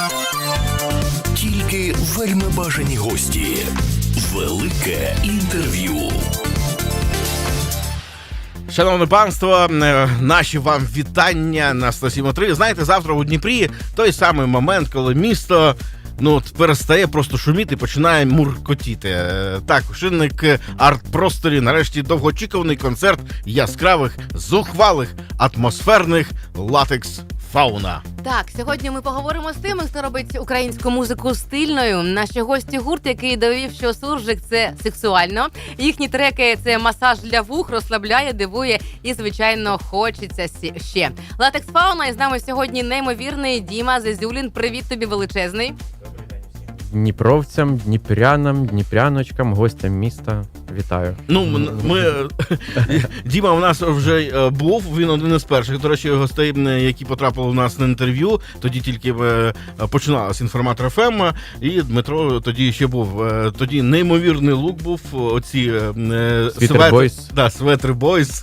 Тільки вельми бажані гості. Велике інтерв'ю. Шановне панство, наші вам вітання на 107.3. Знаєте, завтра у Дніпрі той самий момент, коли місто перестає просто шуміти і починає муркотіти. Так, у Шинник арт-просторі нарешті довгоочікуваний концерт яскравих, зухвалих, атмосферних латекс Фауна. Так, сьогодні ми поговоримо з тими, хто робить українську музику стильною. Наші гості гурт, який довів, що суржик – це сексуально. Їхні треки – це масаж для вух, розслабляє, дивує і, звичайно, хочеться ще. Латекс Фауна, і з нами сьогодні неймовірний Діма Зазюлін. Привіт тобі величезний. Дніпровцям, дніпрянам, дніпряночкам, гостям міста. Вітаю. Діма у нас вже був, він один із перших, до речі, гостей, які потрапили у нас на інтерв'ю. Тоді тільки починалась Інформатор ФМ, і Дмитро тоді ще був. Тоді неймовірний лук був, оці светри бойс.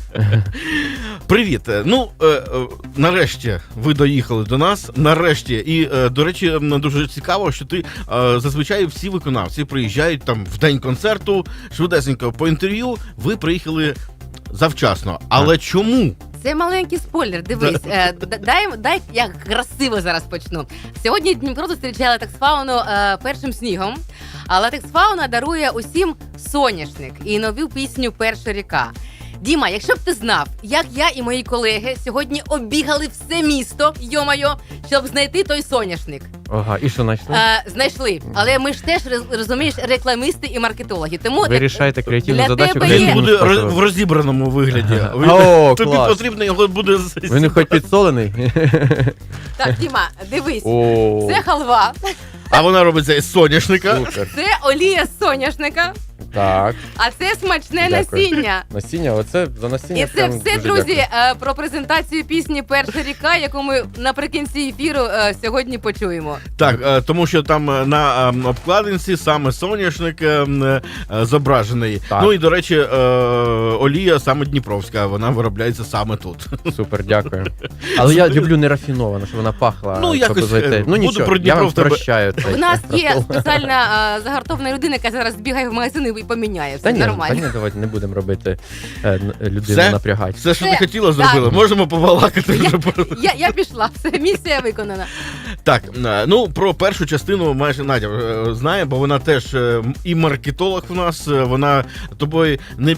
Привіт. Нарешті ви доїхали до нас, нарешті. І, до речі, дуже цікаво, що ти зазвичай всі виконавці приїжджають там в день концерту, швидесенько по інтерв'ю, ви приїхали завчасно. Але чому? Це маленький спойлер, дивись. Дай я красиво зараз почну. Сьогодні Дніпро зустрічає Латекс Фауну першим снігом. А Латекс Фауна дарує усім соняшник і нову пісню «Перша ріка». Діма, якщо б ти знав, як я і мої колеги сьогодні обігали все місто, йо-майо, щоб знайти той соняшник. Ага, і що знайшли? Знайшли. Але ми ж теж, розумієш, рекламисти і маркетологи. Тому ви рішаєте креативну задачу. Він буде в розібраному вигляді. Тобі потрібно його буде... Він хоч підсолений? Так, Діма, дивись. Це халва. А вона робиться із соняшника. Це олія з соняшника. Так. А це смачне насіння. Насіння, оце за насіння. І це все, друзі, про презентацію пісні «Перша ріка», яку ми наприкінці ефіру сьогодні почуємо. Так, тому що там на обкладинці саме соняшник зображений. Так. Ну і, до речі, олія саме дніпровська, вона виробляється саме тут. Супер, дякую. Але я люблю нерафіновано, щоб вона пахла. Нічого, я вам прощаю. У нас є спеціальна загартована людина, яка зараз збігає в магазин і поміняє. Все нормально. Давайте не будемо робити людину напрягати. Все, що ти хотіла, зробила. Можемо побалакати вже. Я пішла, все, місія виконана. Так, про першу частину майже Надя знає, бо вона теж і маркетолог у нас, вона тобою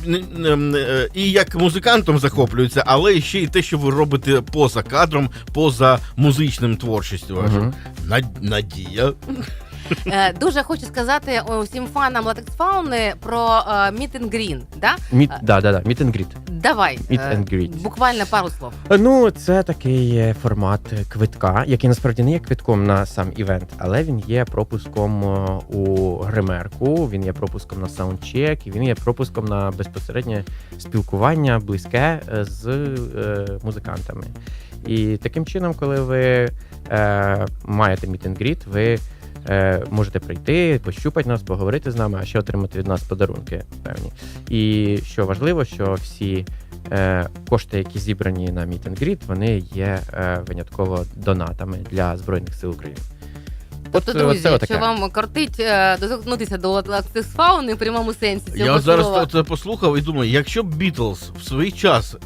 і як музикантом захоплюється, але ще й те, що ви робите поза кадром, поза музичним творчістю. Надія. Дуже хочу сказати усім фанам Латекс Фауни про Meet and Green, да? Meet and Greet. Давай, Meet and Greet. Буквально пару слов. Це такий формат квитка, який насправді не є квитком на сам івент, але він є пропуском у гримерку, він є пропуском на саундчек, і він є пропуском на безпосереднє спілкування близьке з музикантами. І таким чином, коли ви маєте Meet and Greet, ви можете прийти, пощупати нас, поговорити з нами, а ще отримати від нас подарунки певні. І що важливо, що всі кошти, які зібрані на Meet and Greet, вони є винятково донатами для Збройних сил України. Тобто, друзі, якщо вам кортить доторкнутися до Латекс Фауни в прямому сенсі цього я зараз це послухав і думаю, якщо б Бітлз в свій час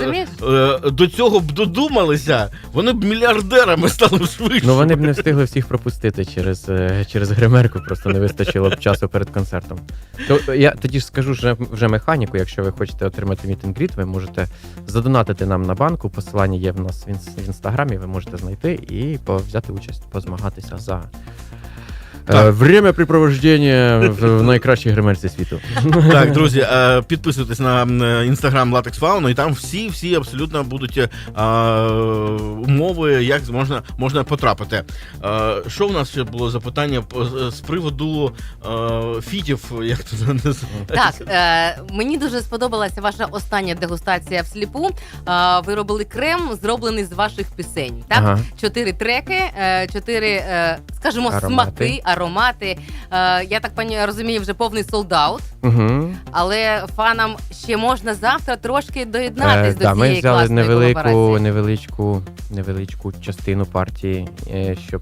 до цього б додумалися, вони б мільярдерами стали швидше. Вони б не встигли всіх пропустити через гримерку, просто не вистачило б часу перед концертом. Я тоді ж скажу вже механіку, якщо ви хочете отримати Meet and Greet, ви можете задонатити нам на банку, посилання є в нас в інстаграмі, ви можете знайти і взяти участь, позмагатися за времяпрепровождення в найкращій гримерці світу. Так, друзі, підписуйтесь на інстаграм Латекс Фауну, і там всі абсолютно будуть умови, як можна потрапити. Що у нас ще було запитання з приводу фітів, як це називається? Так, мені дуже сподобалася ваша остання дегустація всліпу. Ви робили крем, зроблений з ваших пісень. Так? Ага. 4 треки, 4, скажімо, смаки, аромати. Я так розумію, вже повний солд-аут. Угу. Але фанам ще можна завтра трошки доєднатись до Ми цієї взяли класної колаборації. невеличку частину партії, щоб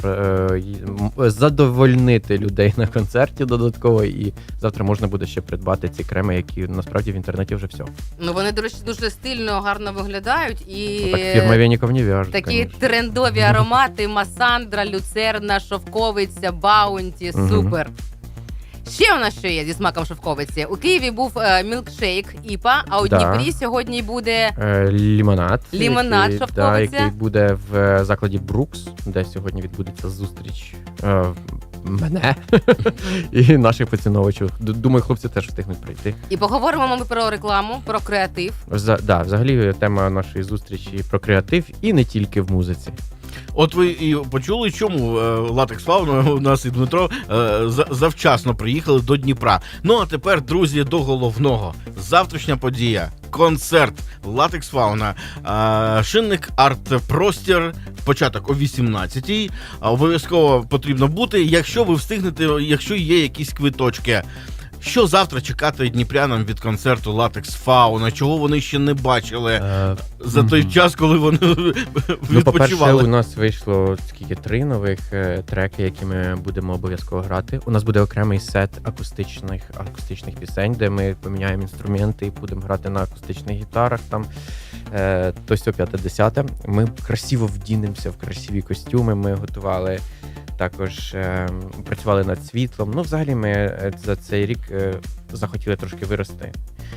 задовольнити людей на концерті додатково. І завтра можна буде ще придбати ці креми, які насправді в інтернеті вже все. Ну вони, до речі, дуже стильно, гарно виглядають. І Так фірма Веніков не в'яже. такі конечно. трендові аромати: Масандра, Люцерна, Шовковиця, Баунті. Супер. Ще у нас що є зі смаком шовковиці. У Києві був мілкшейк ІПА, а у Да. Дніпрі сьогодні буде Лімонад. Лімонад, який, шовковиця. який буде в закладі Брукс, де сьогодні відбудеться зустріч мене і наших поціновувачів. Думаю, хлопці теж встигнуть прийти. І поговоримо ми про рекламу, про креатив. Взагалі тема нашої зустрічі про креатив і не тільки в музиці. От ви і почули, чому Латекс Фауна у нас і Дмитро завчасно приїхали до Дніпра. Ну а тепер, друзі, до головного. Завтрашня подія. Концерт Латекс Фауна. Шинник арт-простір. Початок о 18-й. Обов'язково потрібно бути, якщо ви встигнете, якщо є якісь квиточки. Що завтра чекати дніпрянам від концерту Латекс Фауна? Чого вони ще не бачили за той час, коли вони Ну, по-перше, відпочивали? у нас вийшло 3 нових треки, які ми будемо обов'язково грати. У нас буде окремий сет акустичних пісень, де ми поміняємо інструменти і будемо грати на акустичних гітарах. Там то сьо 50. Ми красиво вдінемося в красиві костюми. Ми готували. Також працювали над світлом. Ну, взагалі, ми за цей рік захотіли трошки вирости.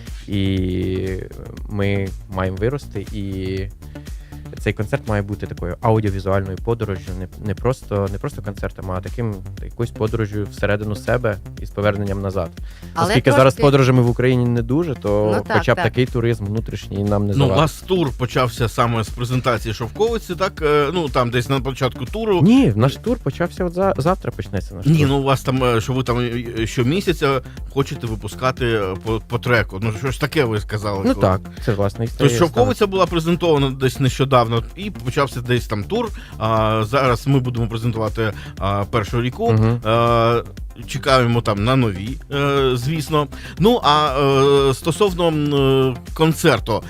І ми маємо вирости, і цей концерт має бути такою аудіовізуальною подорожжю, не просто концертом, а якоюсь подорожжю всередину себе і з поверненням назад. Оскільки зараз подорожами в Україні не дуже, то хоча б такий туризм внутрішній нам не завадить. У вас тур почався саме з презентації Шовковиці, так? Ну, там десь на початку туру. Ні, наш тур почався завтра почнеться наш тур. Ні, ну у вас там, що ви там щомісяця хочете випускати по треку. Ну, що ж таке ви сказали? Ну так, це власне історія. Тож Шовковиця була презентована десь нещодавно, і почався десь там тур. Зараз ми будемо презентувати першу ріку. Угу. Чекаємо там на нові, звісно. Ну, а стосовно концерту,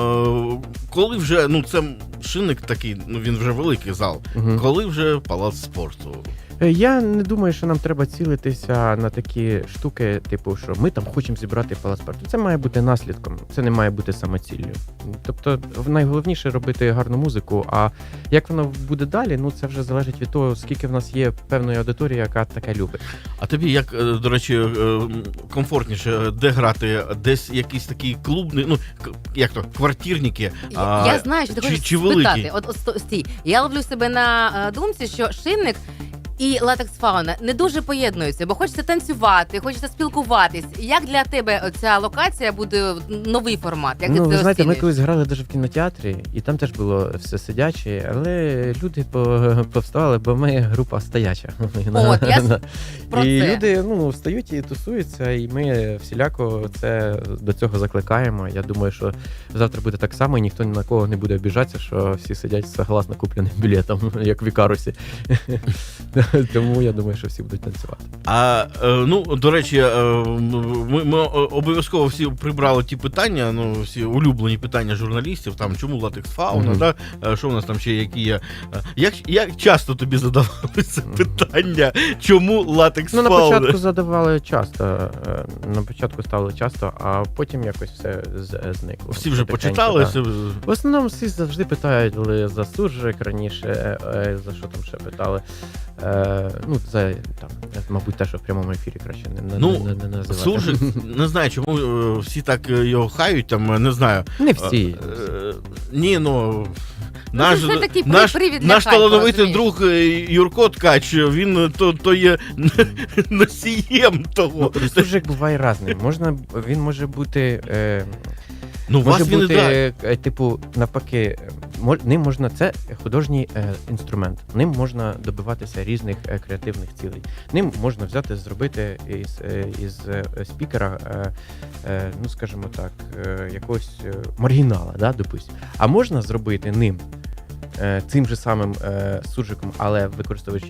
коли вже, ну, це шинник такий, ну, він вже великий зал, коли вже палац спорту? Я не думаю, що нам треба цілитися на такі штуки, типу, що ми там хочемо зібрати палац спорту. Це має бути наслідком, це не має бути самоціллю. Тобто найголовніше робити гарну музику, а як воно буде далі, ну це вже залежить від того, скільки в нас є певної аудиторії, яка таке любить. А тобі, як, до речі, комфортніше, де грати? Десь якісь такі клубні, ну, як то, квартирники? Я знаю, що ти хочеш чи спитати. От стій, я ловлю себе на думці, що шинник і Латекс Фауна не дуже поєднуються, бо хочеться танцювати, хочеться спілкуватись. Як для тебе ця локація буде новий формат? Як ти Ну, це ви знаєте, ми оцінюєш? колись грали навіть в кінотеатрі, і там теж було все сидяче, але люди повставали, бо ми група стояча. От, я про І це. люди встають і тусуються, і ми всіляко до цього закликаємо. Я думаю, що завтра буде так само, і ніхто ні на кого не буде обіжатися, що всі сидять з согласно купленим білетом, як в Ікарусі. Тому я думаю, що всі будуть танцювати. Ну, до речі, ми обов'язково всі прибрали ті питання, ну, всі улюблені питання журналістів, там, чому Латекс Фауна, да? Що у нас там ще, які є. Як часто тобі задавали це питання, чому Латекс Фауна? Ну, на початку задавали часто, на початку ставили часто, а потім якось все зникло. Всі вже Потихеньку, почитали? да. В основному всі завжди питають за суржик раніше, за що там ще питали. Ну, за там, мабуть, те, що в прямому ефірі краще не називати. Суржик, не знаю, чому всі так його хають, там, не знаю. Не всі. Ні, ну... Це такий привід для Наш хайпу, талановитий розумієш? друг Юрко Ткач, він то є носієм того. Ну, суржик буває різним. Він може бути... Ну, може вас він бути, типу, навпаки, ним можна, це художній інструмент, ним можна добиватися різних креативних цілей. Ним можна взяти, зробити із спікера, ну, скажімо так, якогось маргінала, да, допустим. А можна зробити ним цим же самим суржиком, але використовуючи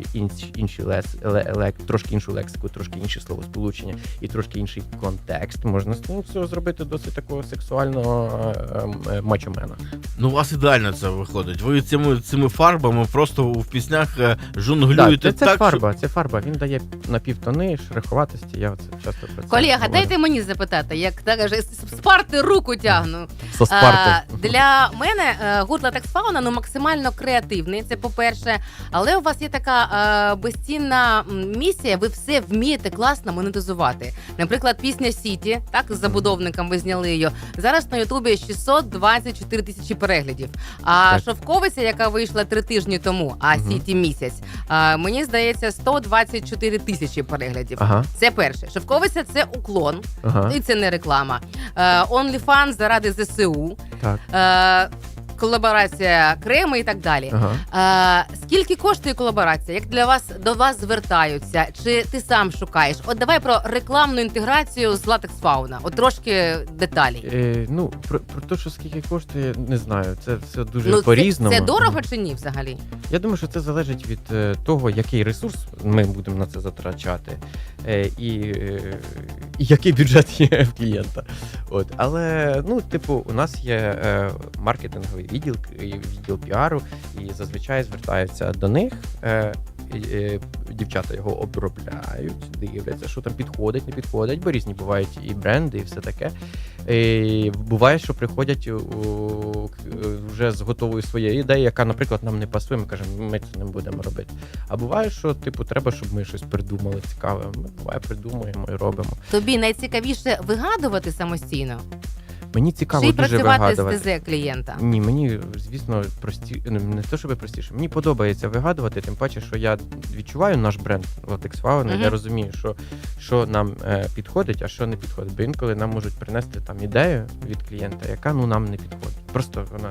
трошки іншу лексику, трошки інші словосполучення і трошки інший контекст, можна з цього всього зробити досить такого сексуального мачомена. Ну, у вас ідеально це виходить. Ви цими фарбами просто в піснях жонглюєте це так, фарба, це фарба. Він дає напівтони, шероховатості, я це часто про це Колега, говорю. дайте мені запитати, як так каже, з Спарти руку тягну. Со Спарти. Для мене гурт Latex Fauna максимально креативний, це по-перше. Але у вас є така безцінна місія, ви все вмієте класно монетизувати. Наприклад, пісня Сіті, так, з забудовником ви зняли її. Зараз на Ютубі 624 тисячі переглядів. А Так. Шовковиця, яка вийшла 3 тижні тому, а Сіті місяць, мені здається, 124 тисячі переглядів. Ага, Це перше. Шовковиця – це уклон, ага, і це не реклама. OnlyFans заради ЗСУ, так, колаборація Креми і так далі. ага. Скільки коштує колаборація? Як до вас звертаються? Чи ти сам шукаєш? От давай про рекламну інтеграцію з Latex Fauna. От трошки деталей. Ну, про те, що скільки коштує, не знаю. Це все дуже по-різному. Це дорого чи ні взагалі? Я думаю, що це залежить від того, який ресурс ми будемо на це затрачати, і який бюджет є в клієнта. От. Але, ну, типу, у нас є маркетинговий відділ піару, і зазвичай звертаються до них. Дівчата його обробляють, дивляться, що там підходить, не підходить, бо різні бувають і бренди, і все таке. І буває, що приходять вже з готовою своєю ідеєю, яка, наприклад, нам не пасує, ми кажемо, ми це не будемо робити. А буває, що типу треба, щоб ми щось придумали цікаве. Ми буває придумуємо і робимо. Тобі найцікавіше вигадувати самостійно? Мені цікаво Чи дуже працювати вигадувати. з ТЗ клієнта? Ні, мені, звісно, не те, щоб простіше. Мені подобається вигадувати, тим паче, що я відчуваю наш бренд Latex Fauna, я розумію, що нам підходить, а що не підходить. Бо інколи нам можуть принести там ідею від клієнта, яка нам не підходить. Просто вона...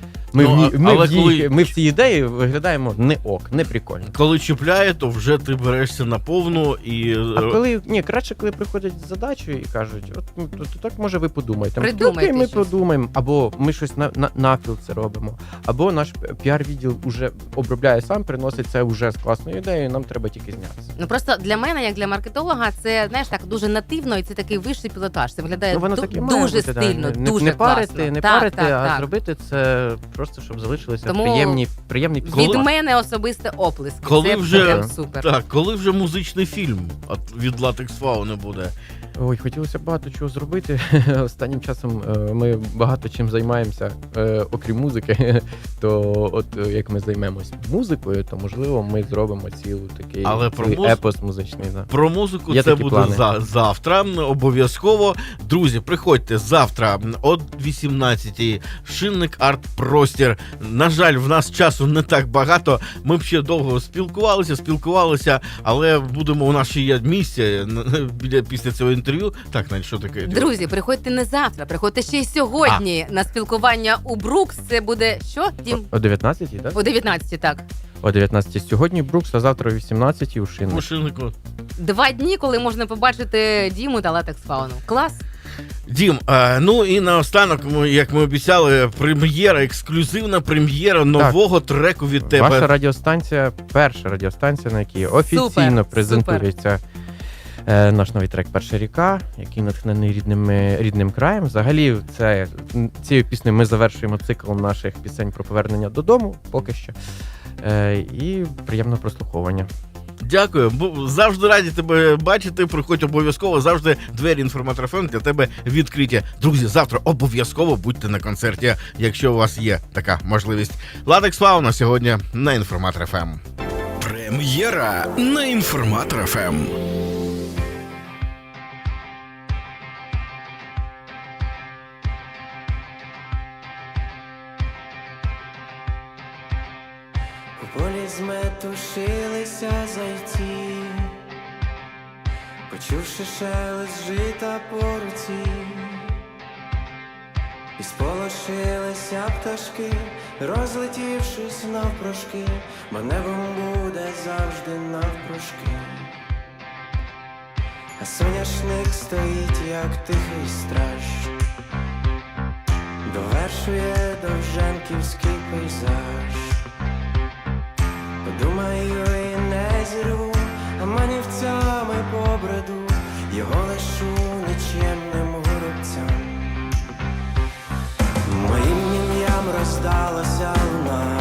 Ми в цій ідеї виглядаємо не прикольно. Коли чіпляє, то вже ти берешся на повну і... Краще, коли приходять з задачею і кажуть, от так може ви подумаєте. Придумайте ми щось. подумаємо, або ми щось навпіл це робимо, або наш піар-відділ вже обробляє сам, приносить це вже з класною ідеєю, нам треба тільки знятися. Ну просто для мене, як для маркетолога, це, знаєш, так дуже нативно, і це такий вищий пілотаж. Це виглядає Воно таке має дуже бути, стильно, да. дуже не класно. парити, а так. зробити це просто, щоб залишилися Тому приємні від мене особисте оплески. Коли це вже- прям супер. Так, коли вже музичний фільм від Latex Fauna буде? Ой, хотілося багато чого зробити. Останнім часом ми багато чим займаємося, окрім музики. То от як ми займемось музикою, то можливо ми зробимо такий епос музичний. Да. Про музику Є це такі буде плани. завтра. Обов'язково. Друзі, приходьте завтра о 18-й. Шинник Арт-Простір. На жаль, в нас часу не так багато. Ми б ще довго спілкувалися, але у нас ще є місце після цього інтерв'ю. Так, Надь, що таке? Друзі, приходьте не завтра, приходьте ще й сьогодні на спілкування у Брукс. Це буде що, Дім? О 19-й, так? О 19-й, так. О 19-й сьогодні Брукс, а завтра о 18-й у Шинник. У Шиннику. 2 дні, коли можна побачити Діму та Latex Fauna. Клас. Дім, ну і наостанок, як ми обіцяли, ексклюзивна прем'єра нового треку від тебе. Ваша радіостанція, перша радіостанція, на якій офіційно презентується наш новий трек «Перша ріка», який натхнений рідним краєм. Взагалі, цією піснею ми завершуємо цикл наших пісень про повернення додому, поки що. І приємного прослуховування. Дякую. Завжди раді тебе бачити. Приходь обов'язково. Завжди двері Інформатор ФМ для тебе відкриті. Друзі, завтра обов'язково будьте на концерті, якщо у вас є така можливість. Latex Fauna сьогодні на Інформатор ФМ. Прем'єра на Інформатор ФМ. У полі зметушилися зайці, почувши шелест жита по руці, і сполошилися пташки, розлетівшись навпрошки, бо небом буде завжди навпрошки. А соняшник стоїть, як тихий страж, довершує довженківський пейзаж. здалася луна.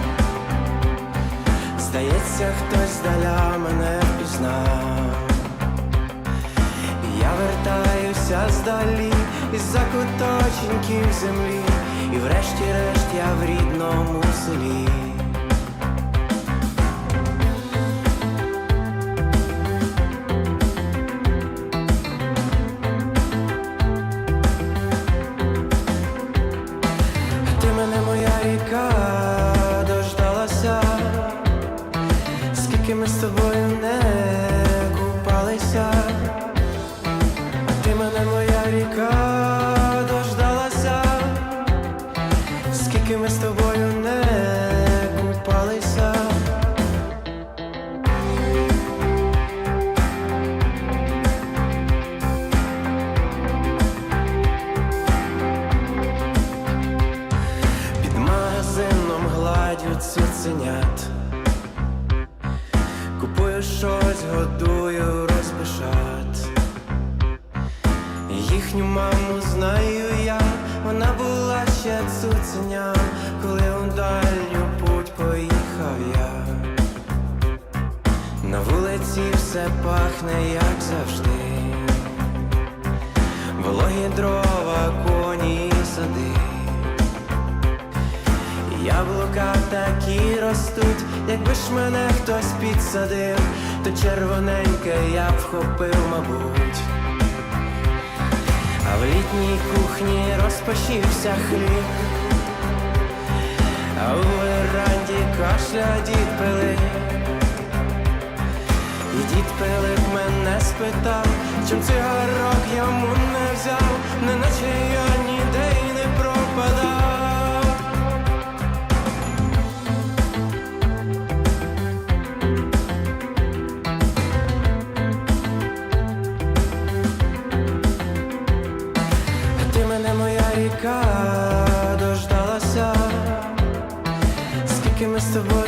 Здається, хтось здаля мене впізнав. Я вертаюся здалі із закуточеньків землі, і врешті-решт я в рідному селі. Ти мене, моя ріка, дождалася, скільки ми з тобою не купалися. Ти мене, моя ріка, дождалася, скільки ми з тобою не купалися. Під магазином гладю цуценят, купую щось, годую розбишат. Їхню маму знаю я, вона була ще цуценям, коли у дальню путь поїхав я. На вулиці все пахне, як завжди, вологі дрова, коні і сади. Яблука такі ростуть, якби ж мене хтось підсадив, то червоненьке я б вхопив, мабуть. А в літній кухні розпашився хліб, а у веранді кашля дід Пилип. І дід Пилип мене спитав, чим цигарок йому не взяв, неначе я ніде й не пропадав. Ти мене, моя ріка, дождалася, скільки ми з тобою